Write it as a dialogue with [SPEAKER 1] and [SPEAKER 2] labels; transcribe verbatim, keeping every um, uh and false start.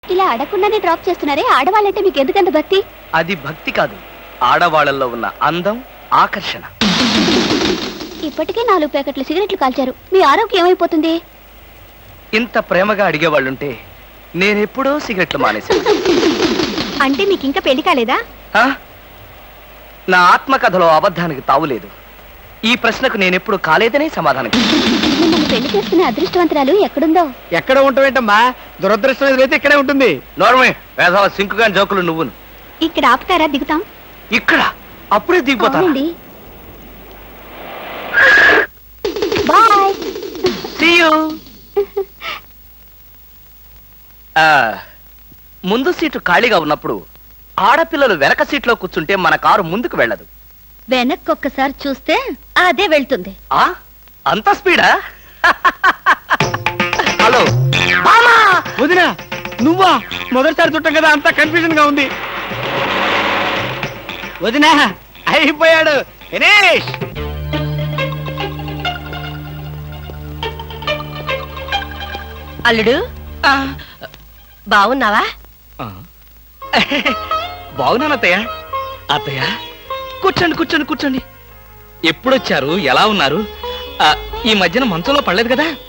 [SPEAKER 1] ఇలా అడగకుండానే డ్రాప్ చేస్తున్నారే, ఆడవాళ్ళంటే మీకు ఎందుకంత భక్తి?
[SPEAKER 2] అది భక్తి కాదు, ఆడవాళ్ళల్లో ఉన్న అందం, ఆకర్షణ.
[SPEAKER 1] ఇప్పటికే నాలుగు ప్యాకెట్లు సిగరెట్లు కాల్చారు, మీ ఆరోగ్యం ఏమైపోతుంది?
[SPEAKER 2] ఇంత ప్రేమగా అడిగేవాళ్ళుంటే నేనెప్పుడో సిగరెట్లు మానేశాను.
[SPEAKER 1] అంటే మీకు ఇంకా పెళ్లి కాలేదా?
[SPEAKER 2] ఆ? నా ఆత్మకథలో అబద్ధానికి తావులేదు. ఈ ప్రశ్నకు నేనెప్పుడు కాలేదనే సమాధానం.
[SPEAKER 1] మిమ్మల్ని పెళ్లి చేసుకునే అదృష్టవంతరాలు ఎక్కడుందో?
[SPEAKER 3] ఎక్కడ ఉంటావేంటమ్మా, దురదృష్టం ఎదురైతే ఇక్కడే ఉంటుంది.
[SPEAKER 2] నోర్మే వేసవ సింకుగా జోకులు నువ్వును.
[SPEAKER 1] ఇక్కడ ఆపుతారా? దిగుతాం.
[SPEAKER 2] ఇక్కడ అప్పుడే దిగిపోతాను.
[SPEAKER 1] అవునండి. బాయ్.
[SPEAKER 2] See you. ఆ, ముందు సీటు ఖాళీగా ఉన్నప్పుడు ఆడపిల్లలు వెనక సీట్లో కూర్చుంటే మన కారు ముందుకు వెళ్ళదు.
[SPEAKER 1] వెనక్కి ఒక్కసారి చూస్తే అదే వెళ్తుంది.
[SPEAKER 2] ఆ అంత స్పీడా? హలో
[SPEAKER 3] వదినా, నువ్వా? మొదటిసారి చుట్టం కదా, అంతా కన్ఫ్యూజన్ గా ఉంది. వదినా అయిపోయాడు, ఫినిష్.
[SPEAKER 4] అల్లుడు, బాగున్నావా?
[SPEAKER 2] బాగున్నాను అత్తయ్య. అత్తయ్య కూర్చోండి కూర్చోండి కూర్చోండి. ఎప్పుడొచ్చారు? ఎలా ఉన్నారు? ఈ మధ్యన మంచంలో పడలేదు కదా?